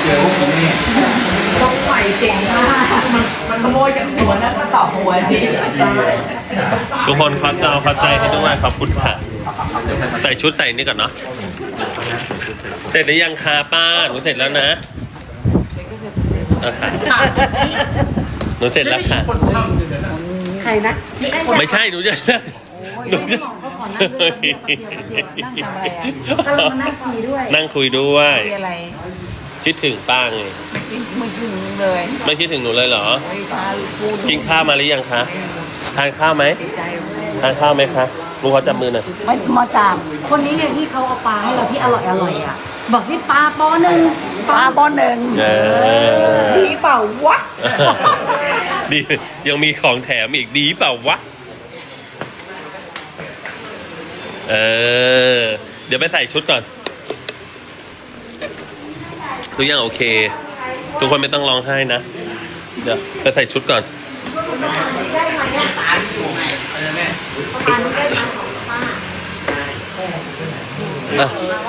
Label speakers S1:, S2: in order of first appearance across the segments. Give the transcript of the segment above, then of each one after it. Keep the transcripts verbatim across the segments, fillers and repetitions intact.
S1: เจอพวกนี้
S2: ต้องใหม่เก่งมากมันมันขโมยจากหัวแล้วก็ต่อหัวนี่ใช่
S3: ทุกคนขอเจ้าขอใจให้ด้วยขอบคุณค่ะใส่ชุดใส่นี่ก่อนเนาะเสร็จหรือยังคะป้าหนูเสร็จแล้วนะเอาค่ะหนูเสร็จแล้วค่ะ
S2: ใครนะ
S3: ไม่ใช่หนูจะหนูจะ
S2: นั่งคุยด้วย
S3: นั่งคุยด้วย
S4: มีอะไร
S3: คิดถึงป้าไง
S4: ไม่ถึงเลย
S3: ไม่คิดถึงหนูเลยเหรอ
S4: ไอ้ตาพูด
S3: กินข้าวมาหรือยังคะทานข้าวไหม
S4: ใจ
S3: ทานข้าวไหมคะลุงขอจับมือหน่อย
S4: ไม่มาตาม
S2: คนนี้ไงที่เขาเอาปลาให้เราที่อร่อยอร่อยอ่ะบอกที่ปลาปอหนึ่ง
S4: ปลาบอหนึ่ง
S3: เออ
S4: ดีเปล่าวะ
S3: ดียังมีของแถมอีกดีเปล่าวะเออเดี๋ยวไปใส่ชุดก่อนทุกอย่างโอเค ทุกคนไม่ต้องร้องไห้นะเดี๋ยวไปใส่ชุดก่อนอ่ะ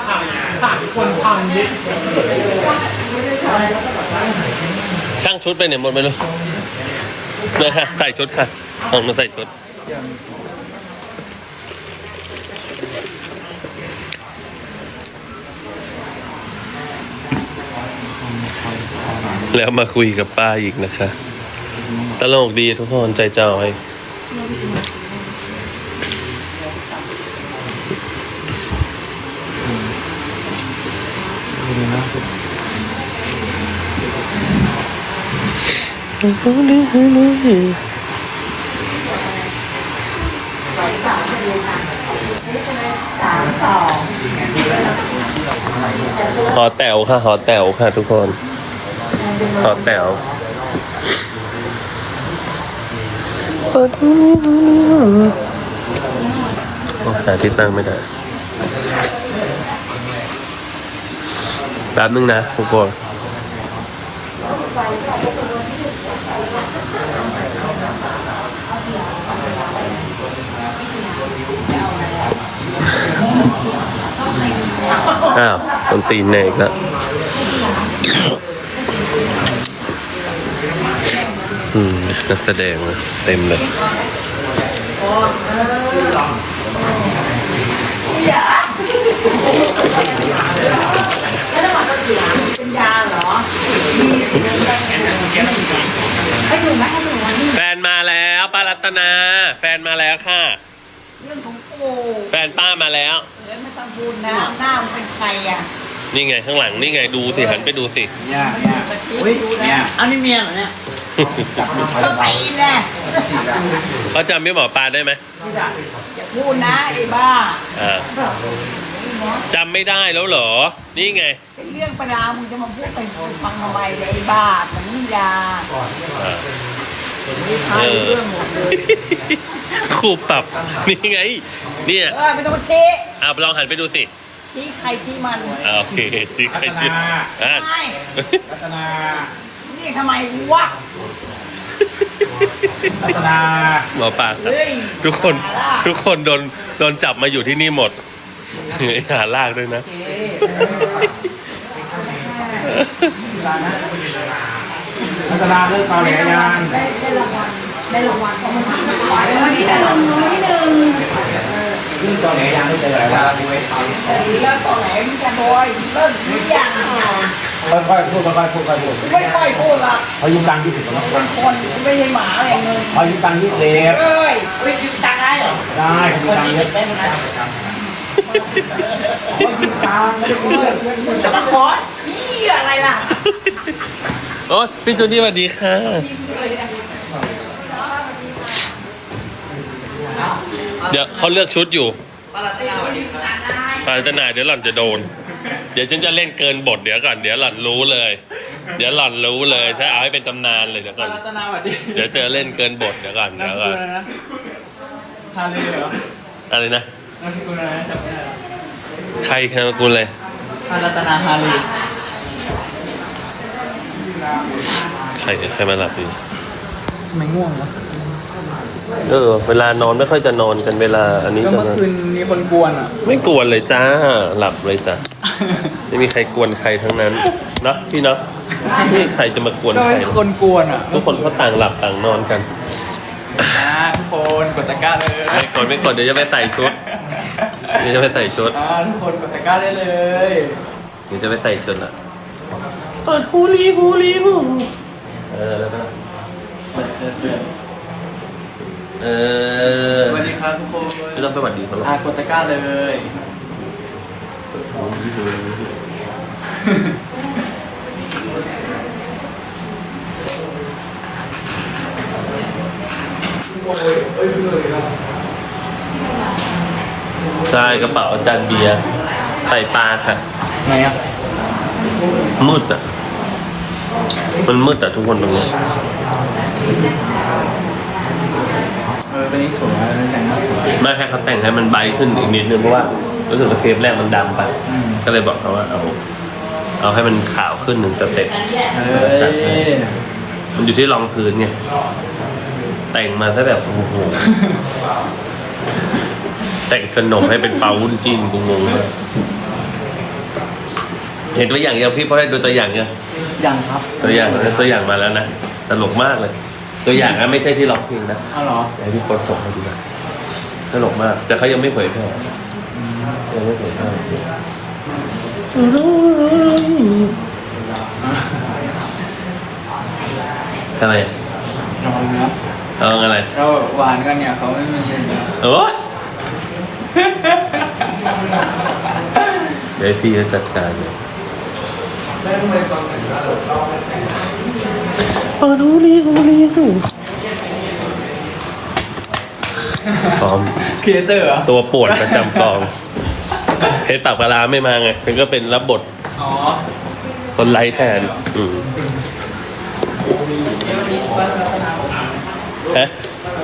S3: ช่างชุดไปเนี่ยหมดไปเลยเลยค่ะใส่ชุดค่ะลองมาใส่ชุดแล้วมาคุยกับป้าอีกนะคะตลกดีทุกคนใจจอยหอแต๋วค่ะหอแต๋วค่ะทุกคนหอแต๋วหาที่ตั้งไม่ได้แป๊บนึงนะทุกคนอ้าวต้นตีนเนกแล้วอืมนักแสดงนะเต็มเลย
S2: เป็นยาเหรอให้ดูไหมให้ดูไหม
S3: แฟนมาแล้วป้ารัตนาแฟนมาแล้วค่ะ
S4: เรื่องของกู
S3: แฟนป้ามาแล้ว
S4: เดี๋ยวไม่ต้องพูดนะหน้ามันเป็นใครอ่ะ
S3: นี่ไงข้างหลังนี่ไงดูสิหันไปดูสิ
S1: เนี่ยเนี่ย
S4: มาชี้
S1: อุ้ย
S4: ดู
S1: เนี่
S4: นะ
S1: ย
S4: อันนี้เมียเหรอเนี่ย
S1: จับมือ
S4: ก็ไปนะ
S3: เขาจำพี่หมอปลาได้ไหม
S4: อย่าพูดนะไอ้บ้า
S3: อ่าจำไม่ได้แล้วเหรอนี่ไง
S4: เป็นเรื่องประดามึงจะมาพูดไปฟังทำไมเนี่ยไอ้บ้ามันนี่ยา
S3: อ่า
S4: ใช่เรื่องหมดเลย
S3: ครูปรับนี่ไงเนี่ย
S4: เออไม่ต้องมาชี้
S3: อ่าลองหันไปดูสิ
S4: ชี้ใครชี้มัน
S3: อ่าโอเคสิใคร
S1: รัต
S3: ดิ
S1: นา
S3: อ่า
S4: ไม่
S1: รัตนา
S4: นี่ทำไมวะ
S1: รัตนา
S3: หมอปลาครับ
S4: เฮ้ย
S3: ทุกคนทุกคนโดนโดนจับมาอยู่ที่นี่หมดหาลากด้วยนะ
S1: รัตนาเลิกเปล่าแหลยัง
S2: ได้ได้รางวัลได้รางวัลเพราะมันทำไม่ไหววันนี้ได้รางวัลที่หนึ่ง
S1: ขึ้นตอนแหลยังไม่เจออะไรวะ
S4: เฮ้ยแล้วตอนไหนมึงจะโดยเริ่มหรือยังอ่ะ
S1: ค่อยๆพูดค่อยๆพูดค่อยๆพูด
S4: ไม่ค่อยพูดละ
S1: เขายืมตังค์ยี่สิบแล้ว
S4: เป็นคนไม่ใช่หมาอะไรเงิน
S1: เขายืมตังค์ยี่สิบ
S4: เอ้ยไปยืมตังค์ได้เหรอ
S1: ได้เขายื
S4: ค
S1: ม
S4: น
S1: ตังค์
S4: นี้
S1: เย
S4: เด็
S1: อะ
S4: กได้ไหมนะ
S1: เขายืมตังค์ไม่ได้พูดเลย
S4: จะมาขอนี่อะไรล่ะ
S3: โอ้พี่จูดี้สวัสดีค่ะเดี๋ยวเขาเลือกชุดอยู่ปารัตนาเดี๋ยวหล่อนจะโดน เดี๋ยวฉันจะเล่นเกินบทเดี๋ยวก่อนเดี๋ยวหล่อนรู้เลย เดี๋ยวหล่อนรู้เลยถ้าเอาให้เป็นตำนานเลยเดี๋ยวก่อน
S5: รัตนาสวัสดี
S3: เดี๋ยวเจอเล่นเกินบทเดี๋ยวก่อน
S5: นาม
S3: เดี๋ยว
S5: ส
S3: ก่
S5: กุ
S3: อน
S5: ลอะไรนะฮาเลเหรอ
S3: อะไรนะ
S5: นามสกุลอะไรนะจำไม่ได้หรอ
S3: ใครนามสกุลเลย
S5: ฮารัตนาฮาเล
S3: ใครใครมาหลับอยู่
S5: ทำไมง่วงวะ
S3: เออเวลานอนไม่ค่อยจะนอนกันเวลาอันนี้
S5: ก็
S3: จะ
S5: เมื่อคืนมีคนกวนอ่ะ
S3: ไม่กวนเลยจ้าหลับเลยจ้าไม่มีใครกวนใครทั้งนั้นเนาะพี่เนาะไม่มีใครจะมากวน
S5: ก็
S3: ใคร
S5: ให้คนกวนอ่ะ
S3: ทุกคนเขาต่างหลับต่างนอนกัน
S5: อ่าทุกคนกดตะกร้าเลย
S3: ไม่กดไม่กดเดี๋ยวจะไปใส่ชุดเดี๋ยวจะไปใส่ชุด
S5: อ่าทุกคนกดตะกร้าได้เลย
S3: เดี๋ยวจะไปใส่ชุดละเปิดฮูลีฮูลีฮูเออแล้วก็เออ
S5: สวัสดีครับทุกคน
S3: ไม่ต้องไปหวัดดีเขาหรอก
S5: อ่ากดตะกร้าเลย
S3: ใช่กระเป๋าอาจารย์เบียร์ใส่ปลาค่ะ
S5: ไงอ่ะ
S3: มืดอ่ะ มันมืดอ่ะทุกคนตรงนี้
S5: เออเป็นนี้สวยนะแต่งหน้าสวย
S3: ไม่แค่เขาแต่งให้มันใบขึ้นอีกนิดนึงเพราะว่ารู้สึกว่าเทปแรกมันดำไป
S5: อืม
S3: ก็เลยบอกเขาว่าเอา เอาให้มันขาวขึ้นหนึ่งสเต็ป
S5: เอ้ย
S3: มันอยู่ที่รองพื้นไง แต่งมาซะแบบโอ้โห แต่งขนมให้เป็นเปาวุ้นจีนกูงงมากเห็นตัวอย่างยังพี่พอได้ดูตัวอย่างยัง
S5: ยังครับ
S3: ตัวอย่างตัวอย่างมาแล้วนะตลกมากเลย ตัวอย่างนะไม่ใช่ที่ร้องเพลงนะ
S5: เอาเหรอ
S3: ไอ้พี่กดส่งให้ดูนะตลกมาก แต่เขายังไม่เผยแพร่ยังไม่เผยแพร่ทำไม
S5: ลองนะ
S3: เอาอะไร
S5: เราหวานกันเนี่ยเขาไม่เป็นไรนะ
S3: โอ้เดี๋ยวพี่จะจัดการเลยโอ้ดูลีดูลีดูพร้อม
S5: ครีเอเตอร์เหรอ
S3: ตัวปวดประจำกองเพชรตักปลาร้าไม่มาไงฉันก็เป็นรับบท
S5: อ๋อ
S3: คนไร้แทน อืมฮะ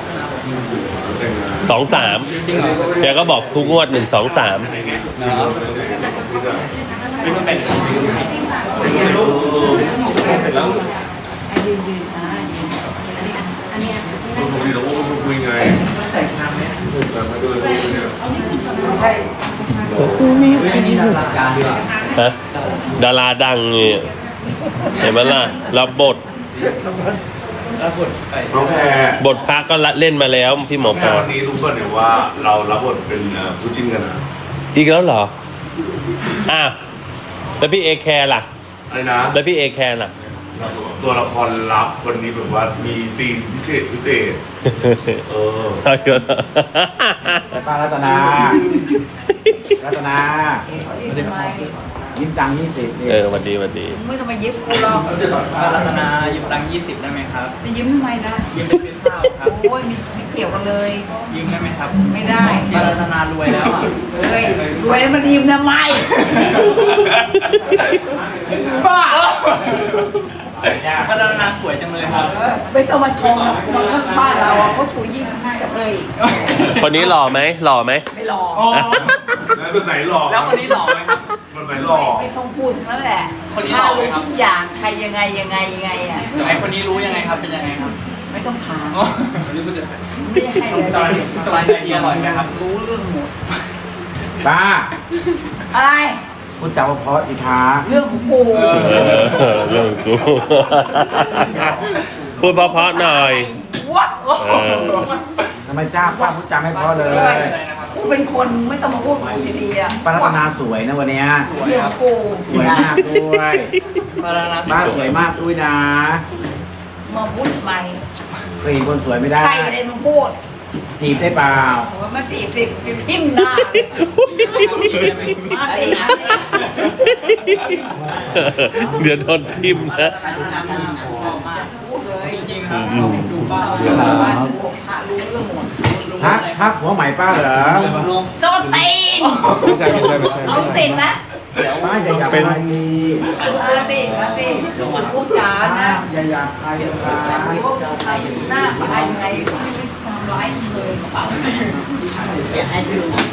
S3: สองสาม
S5: จริงเหรอ
S3: แกก็บอกทุกงวดหนึ่งสองสาม
S5: เนาะเป็นเสร็จแล้ว อันนี้ทำรายการดีกว่า
S3: ฮะดาราดังเนี่ยเห็นไหมล่ะ รับบท
S5: แล้วกดไป
S6: น้องแพร
S3: บทพักก็เล่นมาแล้วพี่หมอ
S6: แพร
S3: ปลา
S6: วันนี้รู้ป่ะเนี่ยว่าเรารับบทเป็นเอ่อผู้จิ้นกันนะ
S3: อีกแล้วเหรอ อ้าว แล้วพี่เอแคร์ล่ะ
S6: อะไรนะ
S3: แล้วพี่เอแคร์ล่ะ
S6: ตัวละครลับวันนี้แบบว่ามีซีนพิเศษพิเศษเออ
S3: เอาเถอะ
S1: ป้ารัตนา รัตนายิ้มตังค์ยี่สิบ
S3: เออวันดีวันดี
S2: ไม่ต้องมายิบกูหรอก
S5: รัตนายืมตังค์ยี่สิบได้ไหมครับ
S2: จะยิ้มทำไมนะ
S5: ยืมเป็นพิซซ่าครับ
S2: โอ้ยมีไม่เกี่ยวกันเลย
S5: ยืมได้ไหมครับ
S2: ไม่ได้
S5: ป้ารัตนารวยแล้วอ่ะ
S2: เฮ้ยรวยแล้วมันยิ้มทำไมบ้า
S5: ป้ารัตนาสวยจังเลยครับ
S2: เออไม่ต้องมาชมหรอกคนข้างบ้านเราอะเขาถูยิ่งกับเลย
S3: คนนี้หล่อไหมหล่อไหม
S2: ไม่รอ
S5: โอ้
S6: แล้วแบบไหนหลอก
S5: แล้วคนนี้หล่อไหมครับ
S6: แบบไหนหลอก
S2: ไม่ต้องพูดทั้งนั้นแหละ
S5: คนนี้หล่
S2: ถ้า
S5: อไหม
S2: รู้
S5: ครับ
S2: ทุกอย่างใครยังไงยังไงยังไงอ่ะ
S5: ไอคนนี้รู้ยังไงครับ เป็นยังไงครับ
S2: ไม่ต้องถาม
S5: โอ้คนนี้ก็จะ
S2: ไม่ได้ให้เลย
S5: จอยจอยใจดีอร่อยไหมครับ
S2: รู้เรื่องหมด
S1: ป้า
S2: อะไร
S1: พูดจาเพราะสิคะ
S2: เรื่องของกู
S3: เออเรื่องกูพูดเพราะๆหน่อย
S2: ว้า
S3: เออ
S1: ทำไมจ้าป้าพูดจาไม่เพราะเลย
S2: กูเป็นคนไม่ต้องมาพูดกูดีๆอ่ะ
S1: ป้ารัตนาสวยนะวันเนี้ย
S2: เรื่องของกู
S1: สวยมากด้วย
S5: ป้ารัตนา
S1: ป้าสวยมากด้วยนะ
S2: มาพูดทำไม
S1: เคยเห็นคนสวยไม่ได้
S2: ใครเลยมึงพูด
S1: จีบได้เปล่า
S2: โอ้ยมาจีบสิจีบทิ่มหน้ามาสิมาสิ
S3: เดี๋ยวโดนทิมนะ
S2: พูดเลย
S5: จริงๆครับดูป้า
S2: บ้านกูพระรู้เรื่องหมด
S1: ฮักฮักหัวใหม่ป้าเหรอ
S2: โจนตีน
S1: ไม่ใช่ไม่ใช่ไม่ใช่
S2: เอาติดนะ
S1: ป้าอย่าอยากไป
S2: มาสิมาสิพูดจานะ
S1: อย่าอยากใครนะคะ
S2: มีว่าใครอยู่หน้าใครยังไงไม่ทำร้ายเลยกระเป๋าอย่าให้ดู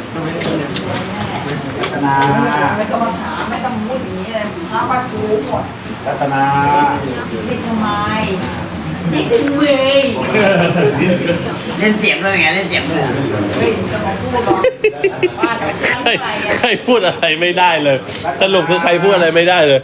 S1: รัตนา
S2: ไม่ต้องมาถามไม่ต้องพูดอย่างนี้เลยพระว่ารู้หมด
S1: รัตนา
S2: นี่ทำไมนี่ถึงเว้ย
S5: เล่นเสียงด้วยไงเล่นเสียงด้วย
S2: เฮ้ยจะมาพูดหรอว่าจะ
S3: ใคร
S2: อะไรอ่ะ
S3: ใครพูดอะไรไม่ได้เลย สรุปคือใครพูดอะไรไม่ได้เลย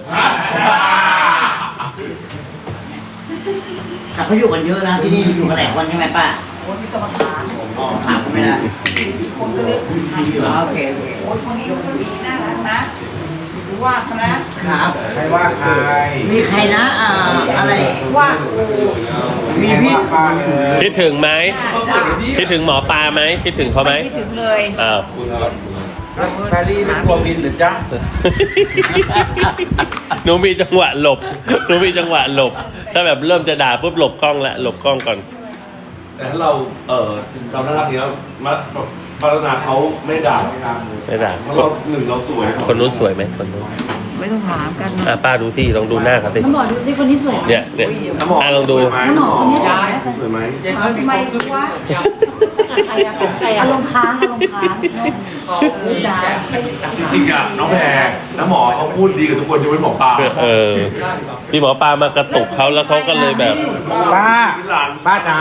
S5: แต่เขาอยู่กันเยอะนะที่นี่อยู่กันหลายคนใช่ไหมป้า
S2: โอ้ยมีกรรมฐาน
S5: อ๋อถามก็ไม่ได้
S2: คนก็เลือกทำอยู่
S5: อ๋อโอเคโอเค
S2: โอ้ยคนนี้คนนี้น่ารักนะหรือว่าเขานะครับ
S1: ใครว่าใคร
S5: มีใครนะอ่าอะไร
S2: ว่ากู
S5: มี
S1: ใคร
S5: พี่
S1: ว่าป้าเลย
S3: คิดถึงไหม คิดถึงหมอปลาไหม คิดถึงเขาไหม
S2: คิดถึงเลย
S3: อ้าว
S1: แพรรี่เป็นกลัวบินหรือจ๊ะ
S3: หนูมีจังหวะหลบ หนูมีจังหวะหลบ ถ้าแบบเริ่มจะด่าปุ๊บหลบกล้องละหลบกล้องก่อน
S6: แต่ถ้าเราเออเราน่ารักนี้แล้วมาพัฒนาเขาไม่ด่า
S3: ไม่ด่า
S6: เพราะเราหนึ่งเราสวย
S3: คนนู้นสวยไหมคนนู้น
S2: ไม่ต้องถามกัน
S3: อ่ะป้าดูสิลองดูหน้าเขาสิ
S4: น้ำหมอดูซิคนนี้สวยไหม
S3: เนี่ยเนี่ย
S6: น้ำหมอ
S3: อ่ะลองดู
S6: สวยไหม
S4: น้ำหมอคนนี้สวยไหม
S6: สวยไหม
S4: ทำไมวะใครอะของใครอะอารมณ์ค้างอารมณ์ค้างจ้า
S6: จริงๆอ่ะน้องแพรน้ำหมอเขาพูดดีกับทุกคนยกเว้นหมอปลา
S3: เออพี่หมอปลามากระตุกเขาแล้วเขาก็เลยแบบ
S1: ป้า
S6: หลาน
S1: ป้าจ๋า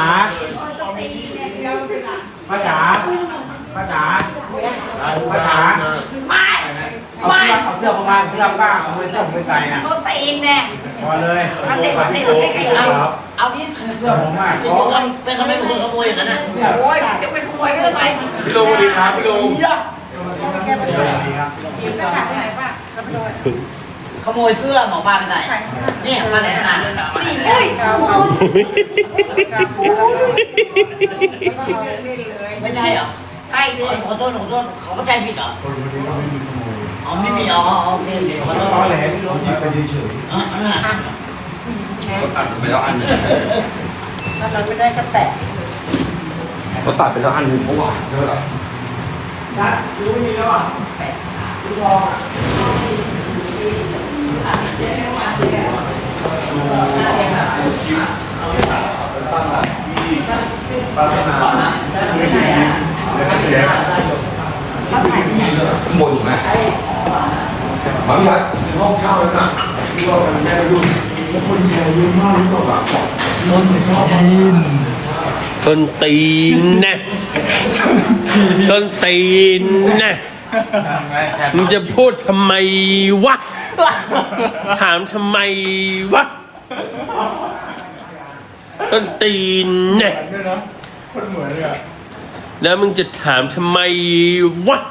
S1: ป้าจ๋าป้าจ๋าป้าจ๋า
S2: ไม่
S1: เอา
S2: ไม่
S1: เสื้อเอาเสื้อประมาณเสื้อป้าเอาเสื้อผมไปใส่น่ะ
S2: เขาตีนเนี่ย
S1: พอเลย
S2: มาเสร็จมาเสร็จมาเสร็จ
S1: ค
S2: เอา
S1: รับ
S5: เอาพี่
S1: เสื้อผมมาก
S5: เป็นคนเป็นคนไม่เป็นคนขโมยอย่างนั้นนะ
S2: โอ้ยจะไปขโมยก็ได้ไหม
S6: พี่ลุงสวัสดีครับพี่ลุง
S2: เยอะ
S1: ดีครับ
S2: อีกจะขาดที่ไหนป่ะ
S5: ขโมยเสื้อหมอปลาไปใส่เนี่ยป้าไหนขนาด
S2: นี่อุ้ย
S5: ไม่ใช่เหรอ
S2: ใช่เลย
S5: ขอโทษขอโทษเขาเข้าใจผิดเหรออ๋อไม่มีอ๋อโอเคโอเคขอโทษ
S1: ตอนแหลผมหยิบไปเฉย
S5: อ๋ออันนั้นอ่ะ
S6: เขาตัดไปแล้วอันหนึง
S4: ถ้าเราไม่ได้ก็แปะ
S6: เขาตัดไปแล้วอันหนึงเพราะว่าใช่ไหมล่ะ
S1: นะรู้ไม่มีแล้วอ่ะรู้ทองอ่ะ ปาสนาไม่ใช่ไม่ใช่หมดอยู่ไหมบางอย่างห้องเช่าแล้วน่ะที่ว่ามันแม่ยุ่งแล้วคนแชร์เยอะมากรู้ป่ะคนชอบกิน
S3: ส้นตีนนะส้นตีนนะมึงจะพูดทำไมวะ ถามทำไมวะส้นตีนนะ
S1: ด้วยนะคนเหมือนเลยอ่ะ
S3: แล้วมึงจะถามทำไมวะ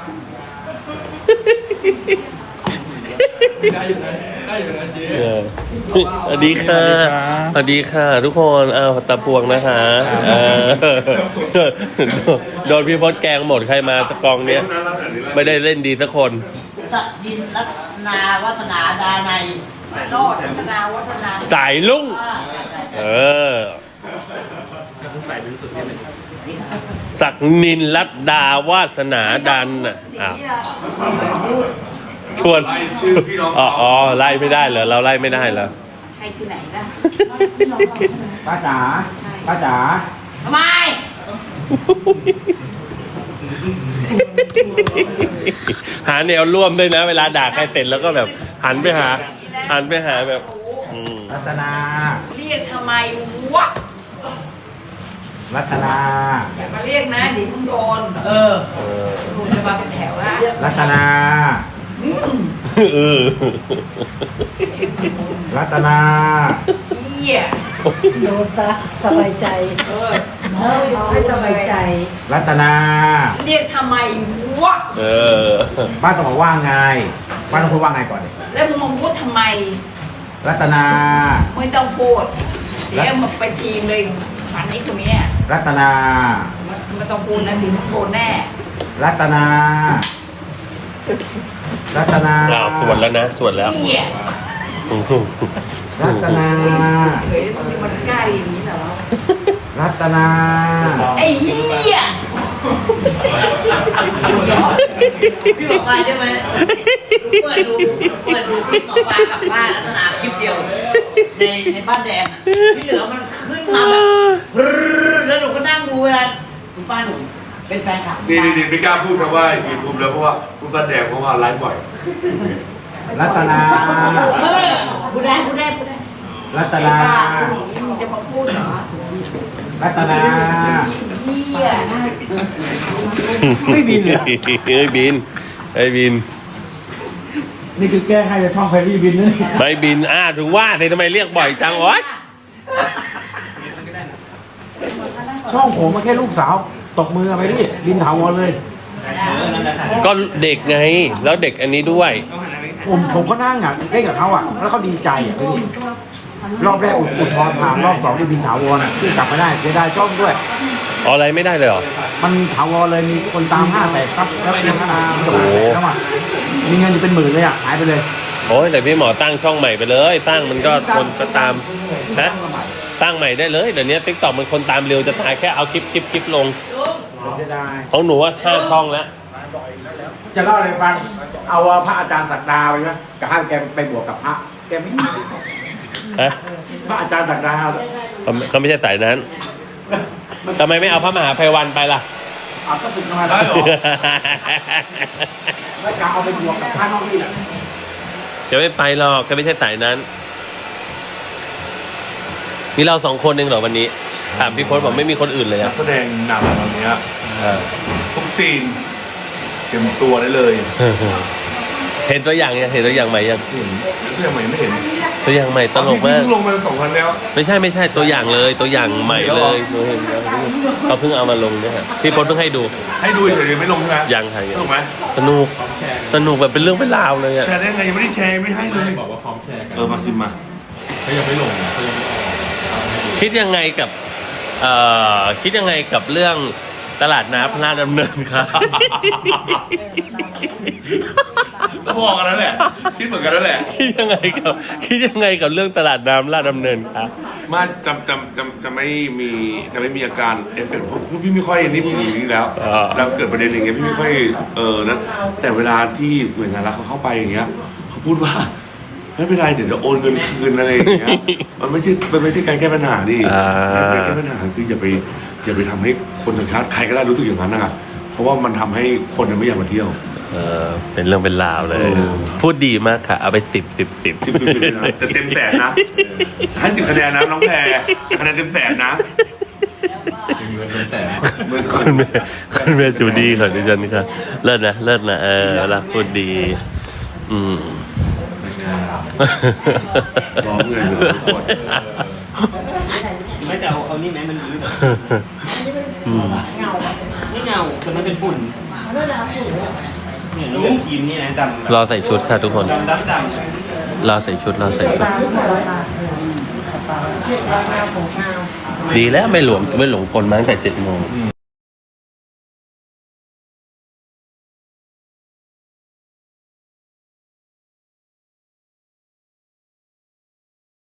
S1: ได้อยู่นะได้อยู่นะเจ๊
S3: เออสวัสดีค่ะสวัสดีค่ะทุกคนอ้าวตาพวงนะคะเออโดนพี่พศแกงหมดใครมาตะกองเนี้ย ไม่ได้เล่นดีสักคน
S5: สดินรัตนาวัฒนาดาในย
S2: โลดวัฒนาวัฒนา
S3: สายลุ่ง
S5: อ่า
S3: เออ ศักนินรัตดาวาสนาดันน่ะอ้าวชวน
S6: ไล่ชื่อพี่น้อง
S3: อ๋อ
S6: เขา
S3: อ๋อไล่ไม่ได้เหรอเราไล่ไม่ได้เหรอ
S2: ใครคือไหนล่ะ
S1: ป้าจ๋าป้าจ๋า
S2: ทำไม
S3: หาแนวร่วมด้วยนะ เวลาด่าใครเสร็จแล้วก็แบบ หันไปหา หันไปหาแบบ อืม
S1: รัตนา
S2: เรียกทำไมวะ
S1: รัตนา
S2: อย่ามาเรียกนะเดี๋ยวมึงโดน
S5: เออ
S3: เออ
S2: ลุงจะมาเป็นแถวละ
S1: รัตนา
S2: อืม
S3: เออ
S1: รัตนา
S2: เหี้ย
S4: โดนซะสบายใจ
S2: เออ
S4: เอาให้สบายใจ
S1: รัตนา
S2: เรียกทำไมวะ
S3: เออ
S1: ป้าต้องบอกว่าไงป้าต้องพูดว่าไงก่อนดิ
S2: แล้วมึงมาพูดทำไม
S1: รัตนา
S2: ไม่ต้องพูดเดี๋ยวมาไปทีมเลยฝันนี้ตรงนี้ย
S1: รัตนา
S2: ไม่ต้องพูดนะถึงโดนแน่
S1: รัตนา รัตนา
S3: อ้าวสวนแล้วนะ สวนแล้ว
S2: เหี้ย
S1: รัตนา
S2: เฮ้ยมันมันกล้าอย่างนี้เหรอ
S1: รัตนา
S2: ไอ้เหี้ย
S5: พี่บอกว่าใช่ไหมเปิดดูเปิดดูคลิปหมอปลากับป้ารัตนาคลิปเดียว ในในบ้านแดงอะที่เหลือมันขึ้นมาแบบบรึ๊ดแล้วหนูก็นั่งดูเวลาคุณป้าหนูเป็นแฟนคลับ
S6: นี่นี่นี่ไม่กล้าพูดคำว่ายูทูบแล้วเพราะว่าพูดบ้านแดงเพราะว่าไลฟ์บ่อย
S1: รัตนา
S5: เออพูดได้พูดได้พูดได้
S1: รัตนา
S2: จะมาพูดเหรอ
S1: รัตนา
S2: เยี่ย
S1: ไม่บินเหรอ
S3: ไม่บินไม่บิน
S1: นี่คือแก้ให้จะช่องแพรรี่บินนะเนี่ย
S3: ไม่บินอ่าถึงว่าแต่ทำไมเรียกบ่อยจังโอ๊ย
S1: ช่องผมมาแค่ลูกสาวตกมือไปดิบินถาวรเลย
S3: ก็เด็กไง แล้วเด็กอันนี้ด้วย
S1: ผมผมก็นั่งอ่ะเล่นกับเขาอ่ะแล้วเขาดีใจอ่ะพี่รอบแรกอุดอุดทอนผ่านรอบสองได้บินถาวรอ่ะที่กลับมาได้เสียดายช่องด้วย
S3: ออะไรไม่ได้เลยเหรอ
S1: มันถาวรเลยมีคนตามห้าแสนครับแล้วเป็นพัฒนา
S3: โอ้โห
S1: แล้วอ่ะมีเงินอยู่เป็นหมื่นเลยอ่ะหายไปเลย
S3: โอ้ยแต่พี่หมอตั้งช่องใหม่ไปเลย ตั้งมันก็คนก็ตามนะตั้งใหม่ได้เลยเดี๋ยวนี้ติ๊กต็อกมันคนตามเร็วจะตายแค่เอาคลิปคลิปคลิปลง
S1: เสียดาย
S3: ของหนูว่าห้าช่องแล้ว
S1: จะเล่าอะไรฟังเอาพระอาจารย์ศักดาไปไหมกับให้แกไปบวกกับพระแกไม่มา
S3: ฮะ
S1: พระอาจารย์ศักดา
S3: เขาเขาไม่ใช่สายนั้นทำไมไม่เอาพระมหาภัยวันไปล่ะ
S1: เอาก็สึกมาได้หรอแล้วกาเอาไปบวกกับพระนอกนี่แหละ
S3: จะไม่ไปหรอกจะไม่ใช่สายนั้นมีเราสองคนเองเหรอวันนี้ถามพี่พจน์บอกไม่มีคนอื่นเลย
S6: นั
S3: อะ
S6: กแสดงนำตอนเนี้ยทุกซีนเต็มตัวได้เลย
S3: เห็นตัวอย่างยังเห็นตัวอย่างใหม่ยัง
S6: เห็นเรื่องใหม่ไม่เห็น
S3: ตัวอย่างใหม่ตลกมาก
S6: เพิ่งลงมาสองพันแล้ว
S3: ไม่ใช่ไม่ใช่ตัวอย่างเลยตัวอย่างใหม่เลยหนูเห็นแล้วเขาเพิ่งเอามาลงเนี่ยฮะพี่พจน์เพิ่งให้ดู
S6: ให้ดูเฉยๆไม่ลงใช่ไหม
S3: ยังไง
S6: ถูกไหม
S3: สนุกสนุกแบบเป็นเรื่องเป็นราวเลยอะ
S6: แชร์ได้ไงยังไม่ได้แชร์ไม่ให้เลยบอกว่าพร้อมแชร์กันเออมาซิมมา
S3: คิดยังไงกับเอ่อคิดยังไงกับเรื่องตลาดน้ำพระราชดำเนินครับ
S6: ก็บอกกันนั่นแหละคิดเหมือนกันนั่นแหละ
S3: คิดยังไงกับคิดยังไงกับเรื่องตลาดน้ำลาดดำเนินครับ
S6: มาจำจำจำจะไม่มีจะไม่มีอาการเอฟเฟกต์เพราะพี่ไม่ค่อยนี่พี่อยู่นี่แล้ว
S3: อ่า
S6: แล้วเกิดประเด็นอย่างเงี้ยพี่ไม่ค่อยเออนะแต่เวลาที่หน่วยงานรัฐเขาเข้าไปอย่างเงี้ยเขาพูดว่าไม่เป็นไรเดี๋ยวจะโอนเงินคืนอะไรอย่างเงี้ยมันไม่ใช่มันไม่ใช่การแก้ปัญหาดิ
S3: อ่า
S6: การแก้ปัญหาคืออย่าไปอย่าไปทำให้คนต่างชาติใครก็ได้รู้สึกอย่างนั้นนะครับเพราะว่ามันทำให้คนไม่อยากมาเที่ยว
S3: เออเป็นเรื่องเป็นราวเลย
S6: เออ
S3: พูดดีมากค่ะ เอาไปสิบสิบสิบ
S6: สิบสิบสิบนะจะเต็มแสนนะให้สิบคะแนนนะน้องแพรคะแนนเต็มแสนนะ
S3: คุณแม่คุณแม่จูดี้ค่ะดิฉันนี่ค่ะเลิศนะเลิศนะเออรักพูดดี อืม
S6: ร้องเลยทุกคน
S7: ไม่จะเอาเอานี่ไหมมันยืดไม่เงาแต่มันเป็นฝุ่นเนี่ยเรื่องครีมนี่นะดำ
S3: รอใส่ชุดค่ะทุกคน
S7: ดำดำดำ
S3: รอใส่ชุดรอใส่ชุด ดีแล้วไม่หลวมไม่หลงกลมาตั้งแต่เจ็ดโมง